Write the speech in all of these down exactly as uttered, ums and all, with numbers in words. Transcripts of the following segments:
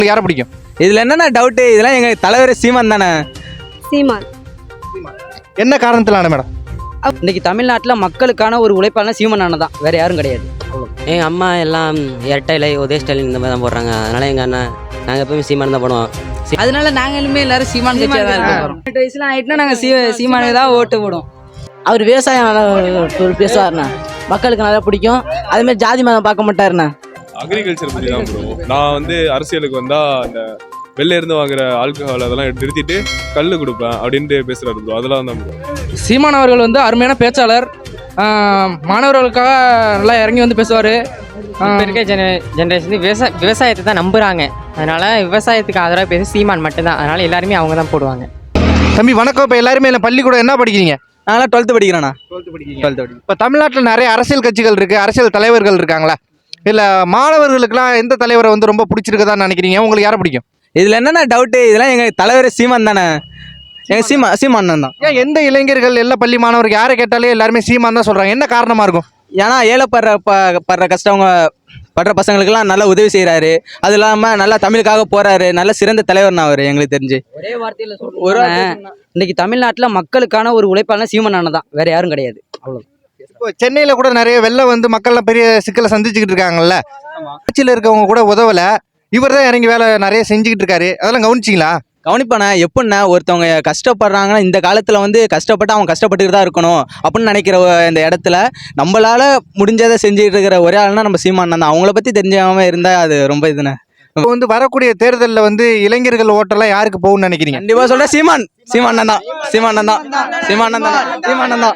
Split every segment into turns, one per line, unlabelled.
யாரை பிடிக்கும்?
இதில் என்னென்ன டவுட்டு, இதெல்லாம் எங்கள் தலைவர் சீமான் தானே.
சீமான்.
என்ன காரணத்திலான மேடம்?
இன்னைக்கு தமிழ்நாட்டில் மக்களுக்கான ஒரு உழைப்பாளர் சீமான் அண்ணன் தான், வேறு யாரும் கிடையாது.
எங்கள் அம்மா எல்லாம் இரட்டைலை உதய ஸ்டாலின் இந்த மாதிரி தான் போடுறாங்க. அதனால் எங்கள் அண்ணன் நாங்கள் எப்பவுமே சீமான் தான் போடுவோம்.
அதனால நாங்களுமே எல்லாரும் சீமான் கட்சியாக தான் இருக்கோம். எட்டு வயசுலாம் ஆகிட்டுனா நாங்கள் சீ சீமானுக்கு தான் ஓட்டு போடுவோம்.
அவர் விவசாயம் நல்லா பேசுவார்ண்ணா, மக்களுக்கு நல்லா பிடிக்கும். அதேமாதிரி ஜாதி மதம் பார்க்க மாட்டாருண்ணா.
அக்ரிகல்ச்சர் பற்றி தான் ப்ரோ. நான் வந்து அரசியலுக்கு வந்தால் அந்த வெளில இருந்து வாங்குற ஆல்கஹால் அதெல்லாம் நிறுத்திட்டு கல் கொடுப்பேன் அப்படின்ட்டு பேசுகிறாரு ப்ரோ. அதெல்லாம் தான் ப்ரோ.
சீமான் அவர்கள் வந்து அருமையான பேச்சாளர், மாணவர்களுக்காக நல்லா இறங்கி வந்து பேசுவார்.
இப்போ இருக்க ஜென ஜென்ரேஷன் விவசாய விவசாயத்தை தான் நம்புகிறாங்க. அதனால் விவசாயத்துக்கு ஆதரவாக பேச சீமான் மட்டும்தான். அதனால் எல்லாருமே அவங்க தான் போடுவாங்க.
தம்பி வணக்கம். இப்போ எல்லாருமே இல்லை பள்ளிக்கூடம் என்ன படிக்கிறீங்க?
நாங்களாம் டுவெல்த்து படிக்கிறேண்ணா.
டுவெல்த்து படிக்கிறீங்க. டுவெல்த்து படிக்கிறீங்க. இப்போ தமிழ்நாட்டில் நிறைய அரசியல் கட்சிகள் இருக்குது, அரசியல் தலைவர்கள் இருக்காங்களா? இல்லை மாணவர்களுக்கெல்லாம் எந்த தலைவரை வந்து ரொம்ப பிடிச்சிருக்குதான்னு நினைக்கிறீங்க? உங்களுக்கு யாரை பிடிக்கும்?
இதில் என்னென்ன டவுட்டு, இதெல்லாம் எங்கள் தலைவர் சீமான் தானே. எங்கள் சீமா சீமான் தான்.
ஏன் எந்த இளைஞர்கள் எல்லா பள்ளி மாணவர்கள் யாரை கேட்டாலே எல்லாருமே சீமான் தான் சொல்கிறாங்க? என்ன காரணமாக இருக்கும்?
ஏன்னா ஏழைப்படுற ப படுற கஷ்டவங்க படுற பசங்களுக்கெல்லாம் நல்லா உதவி செய்கிறாரு. அது இல்லாமல் நல்லா தமிழுக்காக போகிறாரு. நல்ல சிறந்த தலைவர்னா அவர் எங்களுக்கு தெரிஞ்சு.
ஒரே வார்த்தையில் சொல்கிறேன், இன்னைக்கு தமிழ்நாட்டில் மக்களுக்கான ஒரு உழைப்பாளர் சீமான் அண்ணன் தான், வேறு யாரும் கிடையாது. அவ்வளோ.
இப்போ சென்னையில் கூட நிறைய வெள்ளம் வந்து மக்கள்லாம் பெரிய சிக்கலை சந்திச்சுக்கிட்டு இருக்காங்கல்ல. ஆட்சியில் இருக்கவங்க கூட உதவலை, இவர் தான் இறங்கி வேலை நிறைய செஞ்சுக்கிட்டு இருக்காரு. அதெல்லாம் கவனிச்சிங்களா?
கவனிப்பானே. எப்படின்னா ஒருத்தவங்க கஷ்டப்படுறாங்கன்னா இந்த காலத்தில் வந்து கஷ்டப்பட்டு அவங்க கஷ்டப்பட்டுட்டு தான் இருக்கணும் அப்படின்னு நினைக்கிற இந்த இடத்துல நம்மளால் முடிஞ்சதை செஞ்சுட்டு இருக்கிற ஒரே ஆள்னா நம்ம சீமான் தான். அவங்கள பற்றி தெரிஞ்சாமல் இருந்தால் அது ரொம்ப இதுண்ணே.
இப்போ வந்து வரக்கூடிய தேர்தலில் வந்து இளைஞர்கள் ஓட்டெல்லாம் யாருக்கு போகும்னு நினைக்கிறீங்க?
கண்டிப்பாக சொல்கிறேன் சீமான். சீமான் தான். சீமான் தான். சீமான் தான். சீமான் தான்.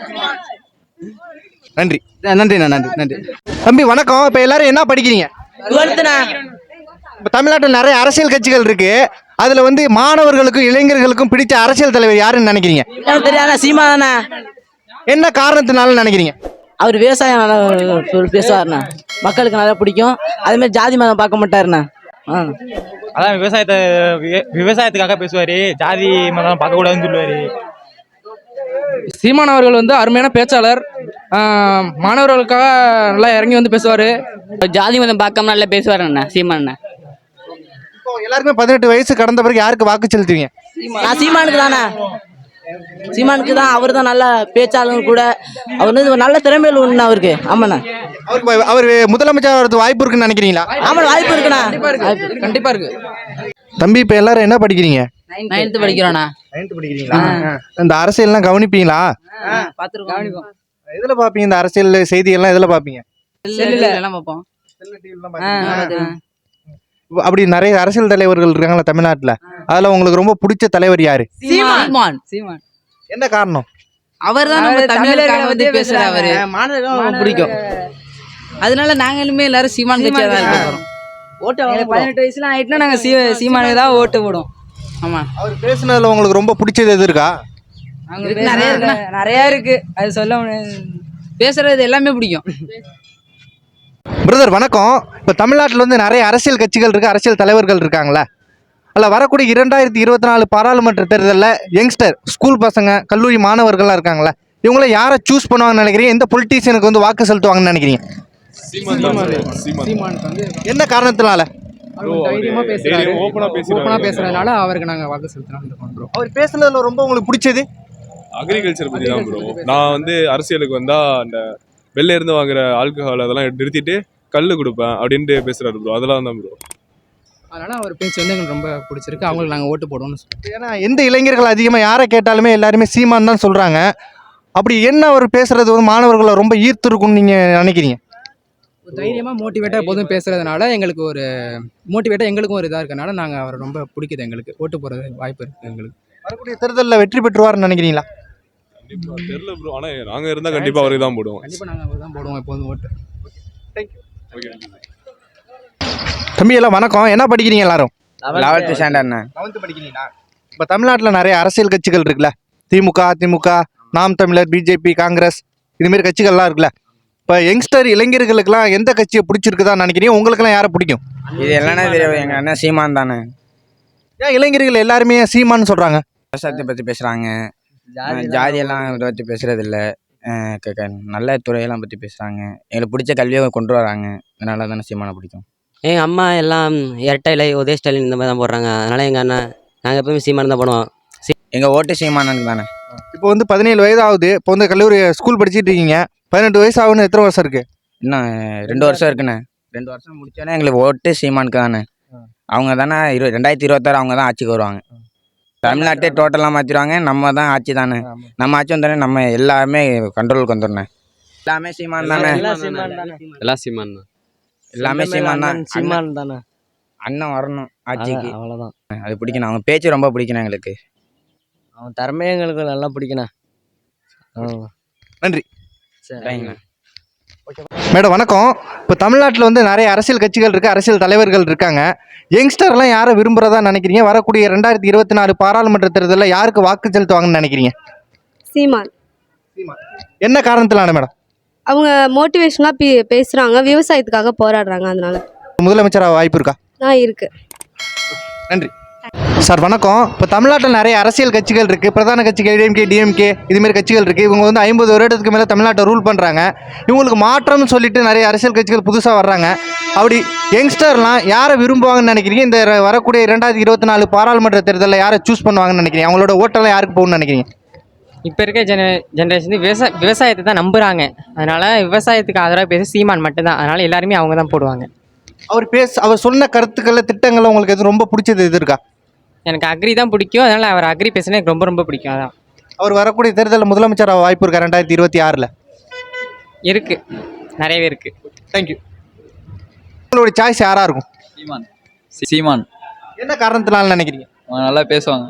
நன்றி
நன்றிண்ணா. நன்றி நன்றி.
தம்பி வணக்கம். இப்போ எல்லாரும் என்ன படிக்கிறீங்க? இப்போ தமிழ்நாட்டில் நிறைய அரசியல் கட்சிகள் இருக்கு, அதுல வந்து மாணவர்களுக்கும் இளைஞர்களுக்கும் பிடிச்ச அரசியல் தலைவர் யாருன்னு நினைக்கிறீங்க?
தெரியாத சீமா தானே.
என்ன காரணத்தினால நினைக்கிறீங்க?
அவர் விவசாயம் நல்லா பேசுவார்ண்ணா, மக்களுக்கு நல்லா பிடிக்கும். அதேமாதிரி ஜாதி மதம் பார்க்க மாட்டாருண்ணா. ஆ
அதான் விவசாயத்தை விவசாயத்துக்காக பேசுவார், ஜாதி மதம் பார்க்கக்கூடாதுன்னு சொல்லுவார். சீமான் அவர்கள் வந்து அருமையான பேச்சாளர், மாணவர்களுக்காக நல்லா இறங்கி வந்து பேசுவார்.
ஜாதி மதம் பார்க்காம நல்லா பேசுவார் அண்ணா சீமான் அண்ணா.
இப்போ எல்லாருமே பதினெட்டு வயசு கடந்த பிறகு யாருக்கு வாக்கு செலுத்துவீங்க?
நான் சீமானுக்கு தானே. சீமானுக்கு தான். அவர் தான் நல்ல பேச்சாளர் கூட. அவர் வந்து நல்ல திறமையில் ஒன்று அவருக்கு. ஆமாண்ணா.
அவருக்கு அவர் முதலமைச்சர் வரது வாய்ப்பு இருக்குன்னு நினைக்கிறீங்களா?
ஆமாம், வாய்ப்பு இருக்குண்ணா.
கண்டிப்பாக இருக்கு.
தம்பி இப்போ எல்லாரும் என்ன படிக்கிறீங்க?
நைன்த்து படிக்கிறோண்ணா.
நைன்த்து படிக்கிறீங்களா? இந்த அரசியல்லாம் கவனிப்பீங்களா?
பார்த்துருக்கோம்.
எதில் பார்ப்பீங்க இந்த அரசியல் செய்தியெல்லாம்? எதில் பார்ப்பீங்க?
எல்லாம் பார்ப்போம்.
அப்படி நிறைய அரசியல் தலைவர்கள் இருக்காங்களா தமிழ்நாட்டில், அதில் உங்களுக்கு ரொம்ப பிடிச்ச தலைவர் யாரு?
சீமான். சீமான்.
என்ன காரணம்?
அவர் தான் நம்ம தமிழர்களை வந்து பேசுறாரு, மாணவர்களுக்கு பிடிக்கும். அதனால நாங்களுமே எல்லாரும் சீமான் கட்சியாக தான் இருக்கோம். ஓட்டு பதினெட்டு வயசுலாம் ஆகிட்டுனா நாங்கள் சீ சீமானுக்கு தான் ஓட்டு போடுவோம். ஆமாம்.
அவர் பேசுனதுல உங்களுக்கு ரொம்ப பிடிச்சது எது இருக்கா?
நிறைய இருக்கு, நிறையா இருக்கு, அது சொல்ல முடியாது. பேசுறது எல்லாமே பிடிக்கும்.
பிரதர் வணக்கம். இப்போ தமிழ்நாட்டில் வந்து நிறைய அரசியல் கட்சிகள் இருக்குது, அரசியல் தலைவர்கள் இருக்காங்களே, அதில் வரக்கூடிய இரண்டாயிரத்தி இருபத்தி நாலு பாராளுமன்ற தேர்தலில் யங்ஸ்டர் ஸ்கூல் பசங்க கல்லூரி மாணவர்கள்லாம் இருக்காங்களே, இவங்கள யாரை சூஸ் பண்ணுவாங்கன்னு நினைக்கிறீங்க? எந்த பொலிட்டீஷியனுக்கு வந்து வாக்கு செலுத்துவாங்கன்னு நினைக்கிறீங்க? என்ன காரணத்தினால?
ஓப்பனாக பேசுறதுனால அவருக்கு நாங்கள் வாக்கு செலுத்தலாம்.
அவர் பேசுனதுல ரொம்ப உங்களுக்கு பிடிச்சது?
அக்ரிகல்ச்சர் பற்றி தான் ப்ரோ. நான் வந்து அரசியலுக்கு வந்தால் அந்த வெளில இருந்து வாங்குற ஆல்கஹால் அதெல்லாம் நிறுத்திட்டு கல் கொடுப்பேன் அப்படின்ட்டு பேசுகிறாரு ப்ரோ. அதெல்லாம் தான் ப்ரோ.
அதனால் அவர் பேச்சு வந்து எங்களுக்கு ரொம்ப பிடிச்சிருக்கு. அவங்களுக்கு நாங்கள் ஓட்டு போடுவோம்னு சொல்லுவோம்.
ஏன்னா எந்த இளைஞர்கள் அதிகமாக யாரை கேட்டாலுமே எல்லாருமே சீமான் தான் சொல்கிறாங்க. அப்படி என்ன அவர் பேசுகிறது வந்து மாணவர்களை ரொம்ப ஈர்த்துருக்குன்னு நீங்கள் நினைக்கிறீங்க?
ஒரு தைரியமாக மோட்டிவேட்டாக எப்போதும் பேசுகிறதுனால எங்களுக்கு ஒரு மோட்டிவேட்டாக எங்களுக்கும் ஒரு இதாக இருக்கனால நாங்கள் அவரை ரொம்ப பிடிக்குது. எங்களுக்கு ஓட்டு போகிறது வாய்ப்பு இருக்குது. எங்களுக்கு
வரக்கூடிய தேர்தலில் வெற்றி பெற்றுவார்னு நினைக்கிறீங்களா?
கண்டிப்பாக தெரியல ப்ரோ. ஆனால் நாங்கள் இருந்தால் கண்டிப்பாக அவருக்கு தான் போடுவோம்.
கண்டிப்பாக நாங்கள் அவர் தான் போடுவோம் எப்போதும் ஓட்டு.
ஓகே.
தம்பி எல்லாம் வணக்கம். என்ன படிக்கிறீங்க எல்லாரும்?
லெவல்த்து ஸ்டாண்டர்ட்ண்ணா.
லெவன்த்து படிக்கிறீங்களா? இப்போ தமிழ்நாட்டில் நிறைய அரசியல் கட்சிகள் இருக்குல்ல, திமுக, அதிமுக, நாம் தமிழர், பிஜேபி, காங்கிரஸ், இதுமாரி கட்சிகள்லாம் இருக்குல்ல. இப்போ யங்ஸ்டர் இளைஞர்களுக்கெல்லாம் எந்த கட்சியை பிடிச்சிருக்குதான்னு நினைக்கிறீங்க? உங்களுக்கெல்லாம் யாரை பிடிக்கும்?
இது எல்லாமே தெரியும். எங்கள் அண்ணன் சீமான் தானே.
ஏன் இளைஞர்கள் எல்லாருமே சீமான்னு சொல்கிறாங்க?
விவசாயத்தை பற்றி பேசுகிறாங்க, ஜாதியெல்லாம் இதை பற்றி பேசுகிறதில்ல, நல்ல துறையெல்லாம் பற்றி பேசுகிறாங்க. எங்களுக்கு பிடிச்ச கல்வியை கொண்டு வராங்க. அதனால தானே சீமானை பிடிக்கும்.
எங்கள் அம்மா எல்லாம் இரட்டை இலை உதய ஸ்டாலின் இந்த மாதிரி தான் போடுறாங்க. அதனால் எங்கள் அண்ணன் நாங்கள் எப்பவுமே சீமான் தான் போடுவோம்.
எங்கள் ஓட்டு சீமானனுக்கு தானே.
இப்போ வந்து பதினேழு வயது ஆகுது. இப்போ வந்து கல்லூரி ஸ்கூல் படிச்சிட்டு இருக்கீங்க. பதினெட்டு வயசு ஆகுன்னு எத்தனை வருஷம் இருக்கு?
இன்னும் ரெண்டு வருஷம் இருக்குண்ணே. ரெண்டு வருஷம் முடிச்சோன்னே எங்களுக்கு ஓட்டு சீமானுக்கு தானே. அவங்க தானே இரு ரெண்டாயிரத்தி இருபத்தாறு அவங்க தான் ஆட்சிக்கு வருவாங்க. தமிழ்நாட்டே டோட்டலாக மாற்றிடுவாங்க. நம்ம தான் ஆட்சி தானே. நம்ம ஆட்சி வந்தோடனே நம்ம எல்லாமே கண்ட்ரோலுக்கு வந்துடனே. எல்லாமே சீமான் தானே.
எல்லாம் சீமான் தான்.
எல்லாமே சீமான் தான்.
சீமான் தானே.
அண்ணன் வரணும் ஆட்சிக்கு.
அவ்வளோதான்.
அது பிடிக்கணும். அவங்க பேச்சு ரொம்ப பிடிக்கணும் எங்களுக்கு.
அவன் திறமையே எங்களுக்கு நல்லா பிடிக்கணும்.
நன்றி.
சரிங்கண்ணா.
மேடம் வணக்கம். இப்போ தமிழ்நாட்டில் வந்து நிறைய அரசியல் கட்சிகள் இருக்குது, அரசியல் தலைவர்கள் இருக்காங்க. யங்ஸ்டர்லாம் யாரை விரும்புகிறதா நினைக்கிறீங்க? வரக்கூடிய ரெண்டாயிரத்தி இருபத்தி நாலு பாராளுமன்ற தேர்தலில் யாருக்கு வாக்கு செலுத்துவாங்கன்னு நினைக்கிறீங்க?
சீமான்.
என்ன காரணத்திலான மேடம்?
அவங்க மோட்டிவேஷனாக பே பேசுகிறாங்க, விவசாயத்துக்காக போராடுறாங்க, அதனால
முதலமைச்சராக வாய்ப்பு இருக்கா?
நான் இருக்கு.
நன்றி சார். வணக்கம். இப்போ தமிழ்நாட்டில் நிறைய அரசியல் கட்சிகள் இருக்குது, பிரதான கட்சிகள் ஏடிஎம்கே, டிஎம்கே இதுமாரி கட்சிகள் இருக்குது. இவங்க வந்து ஐம்பது வருடத்துக்கு மேலே தமிழ்நாட்டை ரூல் பண்ணுறாங்க. இவங்களுக்கு மாற்றம்னு சொல்லிட்டு நிறைய அரசியல் கட்சிகள் புதுசாக வர்றாங்க. அப்படி யங்ஸ்டர்லாம் யாரை விரும்புவாங்கன்னு நினைக்கிறீங்க? இந்த ர- வரக்கூடிய ரெண்டாயிரத்தி இருபத்தி நாலு பாராளுமன்ற தேர்தலில் யாரை சூஸ் பண்ணுவாங்கன்னு நினைக்கிறீங்க? அவங்களோட ஓட்டெல்லாம் யாருக்கு போகணும்னு நினைக்கிறீங்க?
இப்போ இருக்க ஜென ஜென்ரேஷன் விவசாய விவசாயத்தை தான் நம்புகிறாங்க. அதனால் விவசாயத்துக்கு ஆதரவாக பேச சீமான் மட்டும்தான். அதனால் எல்லாருமே அவங்க தான் போடுவாங்க.
அவர் பேச அவர் சொன்ன கருத்துக்களை திட்டங்களை உங்களுக்கு எது ரொம்ப பிடிச்சது எது இருக்கா?
எனக்கு அக்ரி தான் பிடிக்கும். அதனால் அவர் அக்ரி பேசினா எனக்கு ரொம்ப ரொம்ப பிடிக்கும். அதான்
அவர் வரக்கூடிய தேர்தலில் முதலமைச்சராக வாய்ப்பு இருக்கா ரெண்டாயிரத்தி இருபத்தி ஆறில்?
இருக்குது, நிறையவே இருக்குது.
தேங்க்யூ. உங்களோட சாய்ஸ் யாராக இருக்கும்?
சீமான். சீமான்
என்ன காரணத்தினால நினைக்கிறீங்க?
அவங்க நல்லா பேசுவாங்க.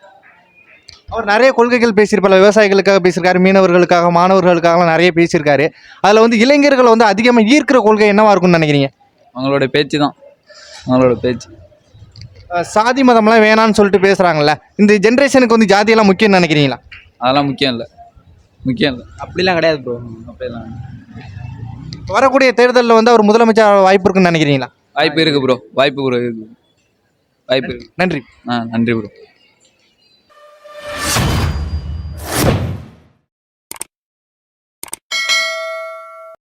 அவர் நிறைய கொள்கைகள் பேசியிருப்பார். விவசாயிகளுக்காக பேசியிருக்காரு, மீனவர்களுக்காக, மாணவர்களுக்காகலாம் நிறைய பேசியிருக்காரு. அதில் வந்து இளைஞர்களை வந்து அதிகமாக ஈர்க்கிற கொள்கை என்னவா இருக்கும்னு நினைக்கிறீங்க?
அவங்களோட பேச்சு தான். அவங்களோட பேச்சு
அஹ் சாதி மதம்லாம் வேணான்னு சொல்லிட்டு பேசுகிறாங்கல்ல, இந்த ஜென்ரேஷனுக்கு வந்து ஜாதியெல்லாம் முக்கியம்னு நினைக்கிறீங்களா?
அதெல்லாம் முக்கியம் இல்லை. முக்கியம் இல்லை.
அப்படிலாம் கிடையாது ப்ரோ.
அப்படியெல்லாம்
வரக்கூடிய தேர்தலில் வந்து அவர் முதலமைச்சர் வாய்ப்பு இருக்குன்னு நினைக்கிறீங்களா?
வாய்ப்பு இருக்குது ப்ரோ. வாய்ப்பு ப்ரோ இருக்குது. வாய்ப்பு இருக்குது.
நன்றி.
ஆ நன்றி ப்ரோ.